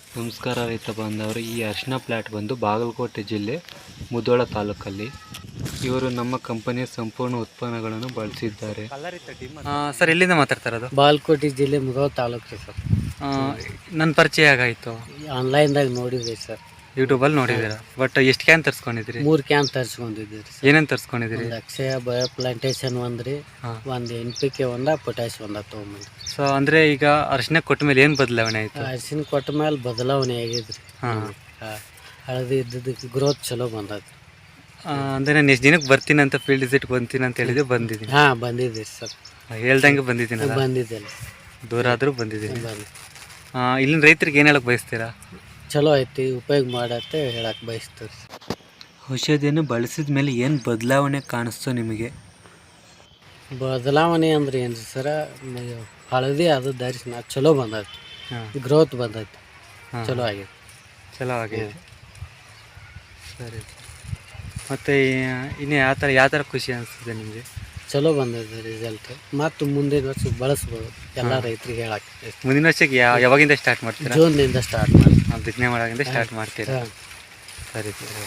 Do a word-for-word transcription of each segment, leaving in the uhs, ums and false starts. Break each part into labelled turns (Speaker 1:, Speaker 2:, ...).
Speaker 1: ನಮಸ್ಕಾರ ರೈತ ಬಾಂಧವರು. ಈ ಅರಿಶಿನ ಪ್ಲಾಟ್ ಬಂದು ಬಾಗಲಕೋಟೆ ಜಿಲ್ಲೆ ಮುಧೋಳ ತಾಲೂಕಲ್ಲಿ. ಇವರು ನಮ್ಮ ಕಂಪನಿಯ ಸಂಪೂರ್ಣ ಉತ್ಪನ್ನಗಳನ್ನು ಬಳಸಿದ್ದಾರೆ.
Speaker 2: ಸರ್ ಎಲ್ಲಿಂದ ಮಾತಾಡ್ತಾ ಇರೋದು?
Speaker 3: ಬಾಗಲಕೋಟೆ ಜಿಲ್ಲೆ ಮುಧೋಳ ತಾಲೂಕು ರೀ ಸರ್.
Speaker 2: ನನ್ನ ಪರಿಚಯ ಆಗಾಯಿತು,
Speaker 3: ಆನ್ಲೈನ್ದಾಗ ನೋಡಿದ್ವಿ ಸರ್,
Speaker 2: ಯೂಟ್ಯೂಬಲ್ಲಿ ನೋಡಿದ್ದೀರಾ. ಬಟ್ ಎಷ್ಟು ಕ್ಯಾನ್ ತರಿಸ್ಕೊಂಡಿದ್ರಿ?
Speaker 3: ಮೂರು ಕ್ಯಾನ್ ತರಿಸ್ಕೊಂಡಿದ್ದೀವಿ ಸರ್.
Speaker 2: ಏನೇನು ತರಿಸ್ಕೊಂಡಿದ್ದೀರಿ?
Speaker 3: ಒಂದು ಅಕ್ಷಯ ಬಯೋ ಪ್ಲಾಂಟೇಶನ್ ಒಂದ್ರಿ, ಒಂದು ಎನ್ ಪಿ ಕೆ ಒಂದ, ಪೊಟ್ಯಾಶ್ ಒಂದ ತೊಗೊಂಬಂದ್ರಿ.
Speaker 2: ಸೊ ಅಂದರೆ ಈಗ ಅರಿಶಿನ ಕೊಟ್ಟ ಮೇಲೆ ಏನು ಬದಲಾವಣೆ ಆಯಿತು?
Speaker 3: ಅರಿಶಿನ ಕೊಟ್ಟ ಮೇಲೆ ಬದಲಾವಣೆ ಆಗಿದ್ರಿ.
Speaker 2: ಹಾಂ,
Speaker 3: ಹಳದಿ ಇದ್ದದಕ್ಕೆ ಗ್ರೋತ್ ಚಲೋ ಬಂದದ್ರಿ.
Speaker 2: ಅಂದರೆ ನಾನು ಎಷ್ಟು ದಿನಕ್ಕೆ ಬರ್ತೀನಿ ಅಂತ ಫೀಲ್ಡ್ ವಿಸಿಟ್ ಬಂತೀನಿ ಅಂತ ಹೇಳಿದ್ರೆ ಬಂದಿದ್ದೀನಿ.
Speaker 3: ಹಾಂ ಬಂದಿದ್ದೀರಿ ಸರ್,
Speaker 2: ಹೇಳ್ದಂಗೆ ಬಂದಿದ್ದೀನಿ.
Speaker 3: ಬಂದಿದ್ದಿಲ್ಲ,
Speaker 2: ದೂರ ಆದರೂ ಬಂದಿದ್ದೀನಿ.
Speaker 3: ಬಂದು
Speaker 2: ಇಲ್ಲಿನ ರೈತರಿಗೆ ಏನು ಹೇಳಕ್ಕೆ ಬಯಸ್ತೀರಾ?
Speaker 3: ಚಲೋ ಐತಿ, ಉಪಯೋಗ ಮಾಡತ್ತೆ ಹೇಳಕ್ಕೆ ಬಯಸ್ತೀವಿ.
Speaker 1: ಔಷಧಿಯನ್ನು ಬಳಸಿದ ಮೇಲೆ ಏನು ಬದಲಾವಣೆ ಕಾಣಿಸ್ತು ನಿಮಗೆ?
Speaker 3: ಬದಲಾವಣೆ ಅಂದ್ರೆ ಏನು ರೀ ಸರ, ಹಳದಿ ಅದು ಧರಿಸಿನ ಚಲೋ ಬಂದೈತಿ, ಗ್ರೋತ್ ಬಂದೈತಿ, ಚಲೋ ಆಗೈತಿ.
Speaker 2: ಚಲೋ ಆಗೈತಿ, ಸರಿ. ಮತ್ತು ಇನ್ನು ಯಾವ ಥರ ಯಾವ ಥರ ಖುಷಿ ಅನಿಸ್ತದೆ ನಿಮಗೆ?
Speaker 3: ಚಲೋ ಬಂದೈತೆ ರಿಸಲ್ಟ್. ಮತ್ತು ಮುಂದಿನ ವರ್ಷ ಬಳಸ್ಬೋದು ಎಲ್ಲ ರೈತರಿಗೆ ಹೇಳಕ್ಕೆ.
Speaker 2: ಮುಂದಿನ ವರ್ಷಕ್ಕೆ ಯಾವ ಯಾವಾಗಿಂದ ಸ್ಟಾರ್ಟ್ ಮಾಡ್ತೀರಾ?
Speaker 3: ಜೂನ್ದಿಂದ ಸ್ಟಾರ್ಟ್ ಮಾಡಿ
Speaker 2: ಬಿತ್ತನೆ ಮಾಡೋದ್ರಿಂದ ಸ್ಟಾರ್ಟ್ ಮಾಡ್ತೀರಾ? ಸರಿ ಸರಿ.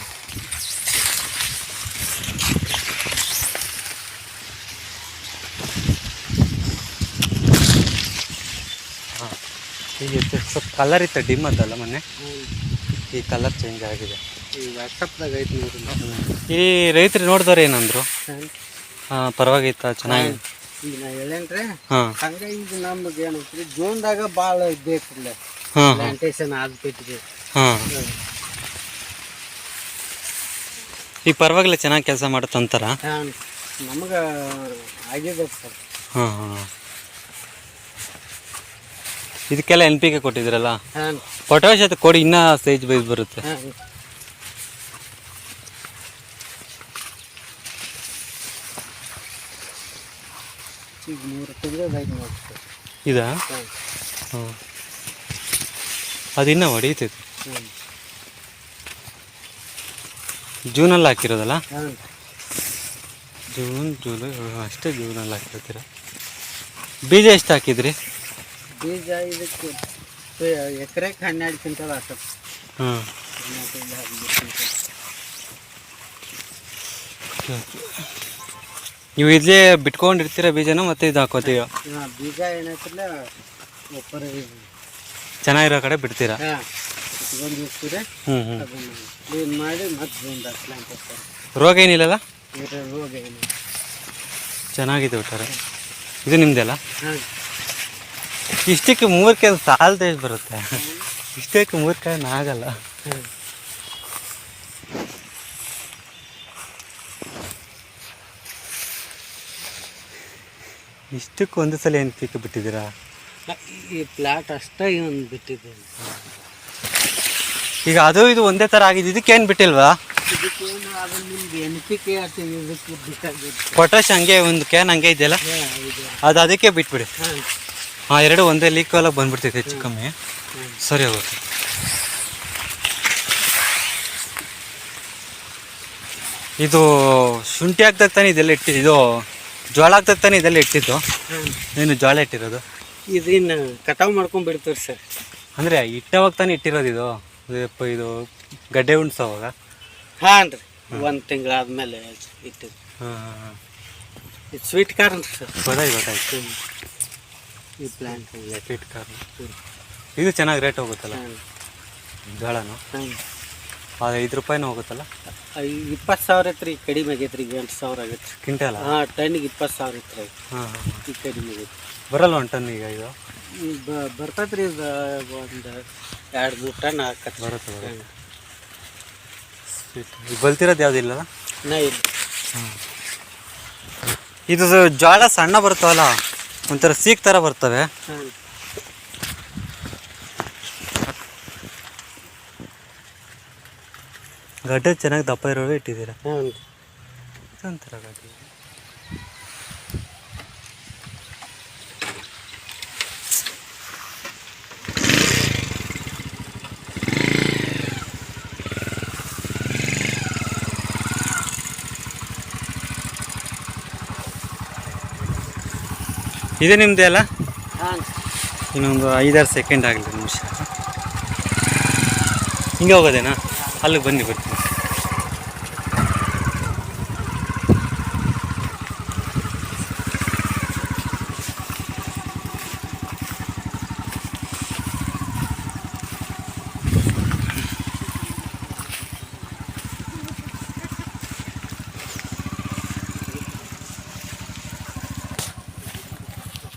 Speaker 2: ಹಾಂ, ಈಗ ಸ್ವಲ್ಪ ಕಲರ್ ಇತ್ತು, ಡಿಮ್ ಅದಲ್ಲ ಮೊನ್ನೆ, ಈ ಕಲರ್ ಚೇಂಜ್ ಆಗಿದೆ.
Speaker 3: ಈ ವಾಟ್ಸಪ್ದಾಗ ಐತಿ ನೋಡಿ.
Speaker 2: ಈ ರೈತರು ನೋಡಿದವ್ರು ಏನಂದ್ರು? ಹಾಂ, ಪರವಾಗಿತ್ತ, ಚೆನ್ನಾಗಿ.
Speaker 3: ಈಗ ನಾ ಹೇಳೇನ್ರಿ.
Speaker 2: ಹಾಂ,
Speaker 3: ಹಂಗೆ ಈಗ ನಮ್ಗೆ ಏನೈತ್ರಿ, ಜೂನ್ದಾಗ ಭಾಳ ಬೇಕಿಲ್ಲ
Speaker 2: ಹಾಂ,
Speaker 3: ಪ್ಲಾಂಟೇಶನ್ ಆಗ್ಬಿಟ್ಟಿದೆ.
Speaker 2: ಹಾಂ. ಈಗ ಪರವಾಗಿಲ್ಲ, ಚೆನ್ನಾಗಿ ಕೆಲಸ ಮಾಡುತ್ತಂತಾರ?
Speaker 3: ಹಾಂ, ನಮ್ಗೆ ಆಗಿದೆ ಸರ್.
Speaker 2: ಹಾಂ ಹಾಂ. ಇದಕ್ಕೆಲ್ಲ ಎನ್ ಪಿ ಕೆ ಕೊಟ್ಟಿದ್ರಲ್ಲ,
Speaker 3: ಹಾಂ,
Speaker 2: ಪೊಟ್ಯಾಶ್ ಅದು ಕೊಡಿ, ಇನ್ನೂ ಸೈಜ್ ಬೈಸ್ ಬರುತ್ತೆ.
Speaker 3: ಹಾಂ. ಈಗ ಮೂರು ತಿಂಗಳು ಬೈಕ್ ನೋಡಿ ಸರ್.
Speaker 2: ಇದಾ?
Speaker 3: ಹಾಂ,
Speaker 2: ಹಾಂ, ಅದು ಇನ್ನೂ ಹೊಡೀತೈತೆ.
Speaker 3: ಹಾಂ,
Speaker 2: ಜೂನಲ್ಲಿ ಹಾಕಿರೋದಲ್ಲ?
Speaker 3: ಹಾಂ.
Speaker 2: ಜೂನ್ ಜೂಲೈ ಅಷ್ಟೇ, ಜೂನಲ್ಲಿ ಹಾಕಿರ್ತೀರ. ಬೀಜ ಎಷ್ಟು ಹಾಕಿದ್ರಿ?
Speaker 3: ಬೀಜ ಇದಕ್ಕೆ ಎಕರೆಗೆ ಹನ್ನೆರಡು ಕ್ವಿಂಟಲ್ ಆಗ್ತದೆ.
Speaker 2: ಹಾಂ, ನೀವು ಇಲ್ಲೇ ಬಿಟ್ಕೊಂಡಿರ್ತೀರ ಬೀಜನ, ಮತ್ತೆ ಇದು ಹಾಕೋತೀವ?
Speaker 3: ಹಾಂ, ಬೀಜ ಏನೈತಿಲ್ಲ ಒಬ್ಬರ
Speaker 2: ಚೆನ್ನಾಗಿರೋ ಕಡೆ ಬಿಡ್ತೀರಾ?
Speaker 3: ಹಾಂ ಇಟ್ಕೊಂಡು ಇರ್ತೀರಿ.
Speaker 2: ಹ್ಞೂ ಹ್ಞೂ.
Speaker 3: ಅದನ್ನು ಕ್ಲೀನ್ ಮಾಡಿ ಮತ್ತೆ ಜೂನ್ದ ಪ್ಲಾಂಟ್ ಹಾಕ್ತಾರೆ.
Speaker 2: ರೋಗ ಏನಿಲ್ಲಲ್ಲ?
Speaker 3: ಇದರ ರೋಗ ಏನು?
Speaker 2: ಚೆನ್ನಾಗಿದೆ ಒಟ್ಟಾರೆ. ಇದು ನಿಮ್ಮದೆಲ್ಲ?
Speaker 3: ಹಾಂ.
Speaker 2: ಇಷ್ಟಕ್ಕೆ ಮೂರು ಕಾಯಿ ಸಾಲದೇ ಬರುತ್ತೆ, ಇಷ್ಟಕ್ಕೆ ಮೂರು ಕಾಯಿ ಆಗಲ್ಲ.
Speaker 3: ಹಾಂ.
Speaker 2: ಇಷ್ಟಕ್ಕೆ ಒಂದು ಸಲ ಏನು ಪೀಕ್ ಬಿಟ್ಟಿದ್ದೀರಾ?
Speaker 3: ಈ ಪ್ಲಾಟ್ ಅಷ್ಟೇ ಒಂದು ಬಿಟ್ಟಿದ್ದೇನೆ.
Speaker 2: ಈಗ ಅದು ಇದು ಒಂದೇ ಥರ ಆಗಿದೆ, ಇದಕ್ಕೇನು ಬಿಟ್ಟಿಲ್ವಾ?
Speaker 3: ಇದಕ್ಕೇನು ಅದು ನಿಮ್ಗೆ ಎನ್ ಪಿ ಕೆ ಆಯ್ತು, ಇದಕ್ಕೆ ಬೇಕಾಗಿತ್ತು.
Speaker 2: ಪೊಟ್ಯಾಶ್ ಹಂಗೆ ಒಂದು ಕ್ಯಾನ್ ಹಂಗೆ ಇದೆಯಲ್ಲ, ಅದು ಅದಕ್ಕೆ ಬಿಟ್ಬಿಡಿ.
Speaker 3: ಹಾಂ,
Speaker 2: ಹಾಂ, ಎರಡು ಒಂದೇ ಲೀಕ್ ಎಲ್ಲ ಬಂದ್ಬಿಡ್ತೈತೆ ಹೆಚ್ಚು ಕಮ್ಮಿ. ಸರಿ ಹೋಗುತ್ತೆ. ಇದು ಶುಂಠಿ ಹಾಕ್ದಾಗ ತಾನೆ ಇದೆಲ್ಲ ಇಟ್ಟಿದ್ದು, ಇದು ಜೋಳ ಹಾಕ್ದಾಗ ತಾನೆ ಇದೆಲ್ಲ ಇಟ್ಟಿದ್ದು. ನೀನು ಜೋಳ ಇಟ್ಟಿರೋದು?
Speaker 3: ಇದನ್ನು ಕಟಾವು ಮಾಡ್ಕೊಂಡು ಬಿಡ್ತೀವಿ ಸರ್.
Speaker 2: ಅಂದರೆ ಇಟ್ಟವಾಗ ತಾನೆ ಇಟ್ಟಿರೋದು ಇದು? ಇದು ಗಡ್ಡೆ ಉಣ್ಸೋವಾಗ?
Speaker 3: ಹಾಂ ರೀ, ಒಂದು ತಿಂಗಳಾದ್ಮೇಲೆ ಇಟ್ಟಿದ್ದು.
Speaker 2: ಹಾಂ ಹಾಂ ಹಾಂ.
Speaker 3: ಇದು ಸ್ವೀಟ್ ಕಾರ್ನ್ ಸರ್.
Speaker 2: ಗೊತ್ತಾಯ್ತು ಗೊತ್ತಾಯ್ತು.
Speaker 3: ಈ ಪ್ಲಾಂಟ್
Speaker 2: ಸ್ವೀಟ್ ಕಾರ್ನ್ ಇದು ಚೆನ್ನಾಗಿ ರೇಟ್ ಹೋಗುತ್ತಲ್ಲ ಜೋಳನು?
Speaker 3: ಹಾಂ,
Speaker 2: ಅದು ಐದು ರೂಪಾಯಿನೂ ಹೋಗುತ್ತಲ್ಲ?
Speaker 3: ಇಪ್ಪತ್ತು ಸಾವಿರ ಐತ್ರಿ, ಕಡಿಮೆ ಆಗೈತೆ ರೀ. ಈಗ ಎಂಟು ಸಾವಿರ ಆಗೈತೆ
Speaker 2: ಕ್ವಿಂಟಲ್?
Speaker 3: ಹಾಂ, ಟನ್ನಿಗೆ ಇಪ್ಪತ್ತು ಸಾವಿರ ಐತ್ರಿ.
Speaker 2: ಹಾಂ ಹಾಂ.
Speaker 3: ಈಗ ಕಡಿಮೆ ಆಗೈತೆ.
Speaker 2: ಬರಲ್ಲ ಒಂದು ಟನ್ ಈಗ ಇದು?
Speaker 3: ಬರ್ತೈತೆ ರೀ, ಇದು ಒಂದು ಎರಡು ಮೂರು ಟನ್ ಹಾಕತ್ತೆ.
Speaker 2: ಬರುತ್ತೆ ಬರುತ್ತೆ. ಸ್ವೀಟ್ ಈಗ ಬಲ್ತಿರೋದು ಯಾವುದಿಲ್ಲ?
Speaker 3: ನಾ ಇಲ್ಲ.
Speaker 2: ಹಾಂ, ಇದು ಜೋಳ ಸಣ್ಣ ಬರ್ತಾವಲ್ಲ, ಒಂಥರ ಸೀಕ್ ಥರ ಬರ್ತವೆ.
Speaker 3: ಹಾಂ,
Speaker 2: ಗಡ್ಡೆ ಚೆನ್ನಾಗಿ ದಪ್ಪ ಇರೋವೇ ಇಟ್ಟಿದ್ದೀರಾ?
Speaker 3: ಹಾಂ.
Speaker 2: ಇದೊಂಥರ ಗಡ್ಡೆ. ಇದು ನಿಮ್ಮದೇ ಅಲ್ಲ?
Speaker 3: ಹಾಂ.
Speaker 2: ಇನ್ನೊಂದು ಐದಾರು ಸೆಕೆಂಡ್ ಆಗಲಿ ನಿಮಿಷ. ಹಿಂಗೆ ಹೋಗೋದೇನಾ? ಅಲ್ಲಿಗೆ ಬನ್ನಿ ಬರ್ತೀನಿ.